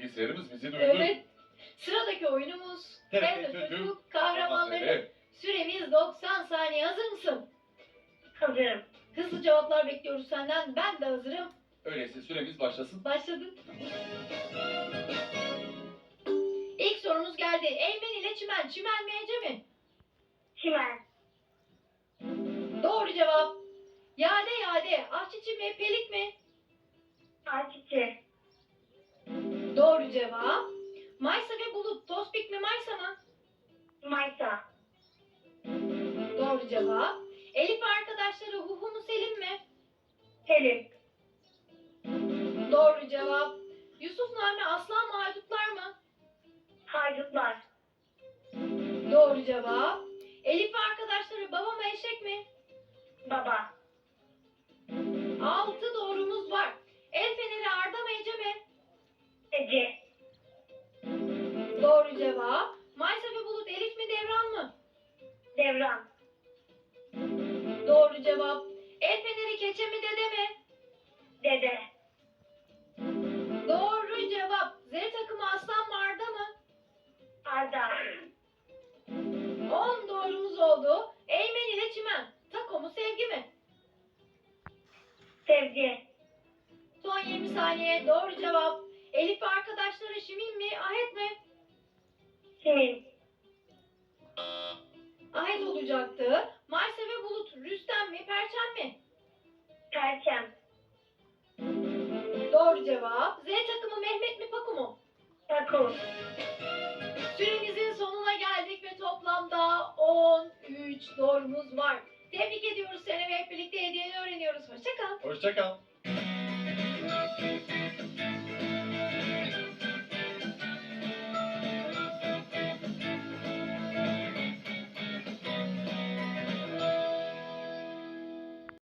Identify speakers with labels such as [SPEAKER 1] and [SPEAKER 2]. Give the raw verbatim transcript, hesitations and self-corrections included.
[SPEAKER 1] bilgisayarımız bizi duydu.
[SPEAKER 2] Evet. Sıradaki oyunumuz
[SPEAKER 1] T R T
[SPEAKER 2] T R T
[SPEAKER 1] Çocuk
[SPEAKER 2] Çocuk Kahramanları. Süremiz doksan saniye. Hazır mısın?
[SPEAKER 3] Hazırım.
[SPEAKER 2] Hızlı cevaplar bekliyoruz senden. Ben de hazırım.
[SPEAKER 1] Öyleyse süremiz başlasın.
[SPEAKER 2] Başladık. İlk sorumuz geldi. Eymen ile çimen. Çimen mi Ece mi?
[SPEAKER 3] Çimen.
[SPEAKER 2] Doğru cevap. Yade yade. Ahçıçı mi? Pelik mi?
[SPEAKER 3] Ayçiçeği.
[SPEAKER 2] Doğru cevap. Maysa ve bulut. Tospik mi Maysa mı?
[SPEAKER 3] Maysa.
[SPEAKER 2] Doğru cevap. Elif ve arkadaşları Huhu mu Selim mi?
[SPEAKER 3] Selim.
[SPEAKER 2] Doğru cevap. Yusuf Nami Aslan mı Haydutlar mı?
[SPEAKER 3] Haydutlar.
[SPEAKER 2] Doğru cevap. Elif ve arkadaşları baba mı eşek mi?
[SPEAKER 3] Baba.
[SPEAKER 2] Altı doğrumuz var. El feneri Arda mı Ece mi?
[SPEAKER 3] Ece.
[SPEAKER 2] Doğru cevap. Maysa ve Bulut Elif mi Devran mı?
[SPEAKER 3] Devran.
[SPEAKER 2] Doğru cevap. El feneri keçe mi dede mi?
[SPEAKER 3] Dede.
[SPEAKER 2] Doğru cevap. Z takımı aslan mı Arda mı?
[SPEAKER 3] Arda.
[SPEAKER 2] On doğrumuz oldu. Eymen ile çimen. Tako mu sevgi mi?
[SPEAKER 3] Sevgi.
[SPEAKER 2] Son yirmi saniye. Doğru cevap. Elif ve arkadaşları Şimin mi? Ahet mi?
[SPEAKER 3] Simin.
[SPEAKER 2] Ahet olacaktı. Maysa ve Bulut Rüstem mi? Perçem mi?
[SPEAKER 3] Perçem.
[SPEAKER 2] Doğru cevap. Z takımı Mehmet mi Paku mu?
[SPEAKER 3] Paku.
[SPEAKER 2] Süremizin sonuna geldik ve toplamda on üç doğrumuz var. Tebrik ediyoruz seni ve hep birlikte hediyeni öğreniyoruz. Hoşça kal.
[SPEAKER 1] Hoşça kal.